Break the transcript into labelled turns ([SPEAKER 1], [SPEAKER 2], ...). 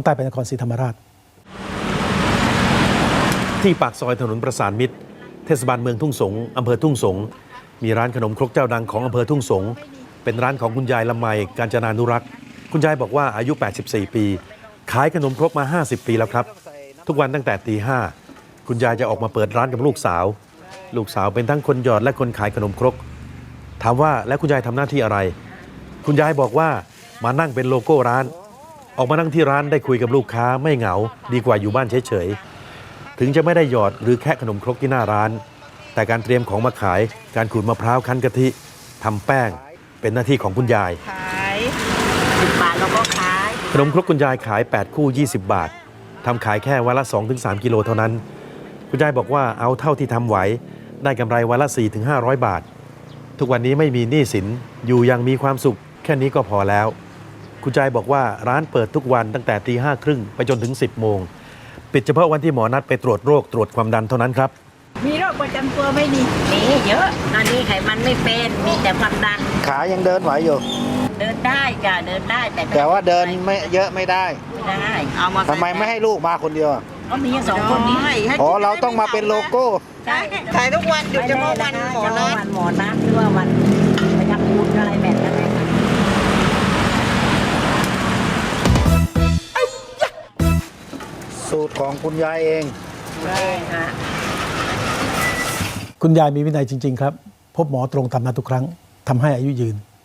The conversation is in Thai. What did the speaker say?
[SPEAKER 1] ใต้ไปนครศรีธรรมราช
[SPEAKER 2] ที่ปากซอยถนนประสานมิตรเทศบาลเมืองทุ่งสงอำเภอทุ่งสงมีร้านขนมครกเจ้าดังของอำเภอทุ่งสงเป็นร้านของคุณยายละไมกาญจนานุรักษ์คุณยายบอกว่าอายุ84ปีขายขนมครกมา50ปีแล้วครับทุกวันตั้งแต่ตีห้าคุณยายจะออกมาเปิดร้านกับลูกสาวเป็นทั้งคนหยอดและคนขายขนมครกถามว่าแล้วคุณยายทำหน้าที่อะไรคุณยายบอกว่ามานั่งเป็นโลโก้ร้านออกมานั่งที่ร้านได้คุยกับลูกค้าไม่เหงาดีกว่าอยู่บ้านเฉยๆถึงจะไม่ได้หยอดหรือแค่ขนมครกที่หน้าร้านแต่การเตรียมของมาขายการขูดมะพร้าวคั้นกะทิทำแป้งเป็นหน้าที่ของคุณยาย
[SPEAKER 3] ขาย10 บาทเราก็ขาย
[SPEAKER 2] ขนมครกคุณยายขาย8คู่20 บาททำขายแค่วันละ 2-3 กิโลเท่านั้นคุณยายบอกว่าเอาเท่าที่ทำไหวได้กำไรวันละ 4-500 บาททุกวันนี้ไม่มีหนี้สินอยู่ยังมีความสุขแค่นี้ก็พอแล้วคุณยายบอกว่าร้านเปิดทุกวันตั้งแต่5:30ไปจนถึง10 โมงปิดเฉพาะวันที่หมอนัดไปตรวจโรคตรวจความดันเท่านั้นครับ
[SPEAKER 3] มีโรคประจำตัวไม่มีเยอะตอนนี้ไขมันไม่เป็นมีแต่ความดัน
[SPEAKER 4] ขายังเดินไหวอยู่
[SPEAKER 3] เดินได้จ้ะเดินได้
[SPEAKER 4] แต่ว่าเดินไม่เยอะไม่ได้
[SPEAKER 3] เอามา
[SPEAKER 4] ทำไมไม่ให้ลูกมาคนเดียว
[SPEAKER 3] ก็มี2 คนนี้
[SPEAKER 4] อ๋อเราต้องมาเป็นโลโก้
[SPEAKER 3] ใช่ขายทุกวันหยุดเฉพาะวันหมอนัดหรือว่าวันประจำบุญอะไรแบบนั้น
[SPEAKER 4] สูตรของคุณยายเอง
[SPEAKER 3] ใช่ค่ะ
[SPEAKER 1] คุณยายมีวินัยจริงๆครับพบหมอตรงตามนัดทุกครั้งทำให้อายุยืน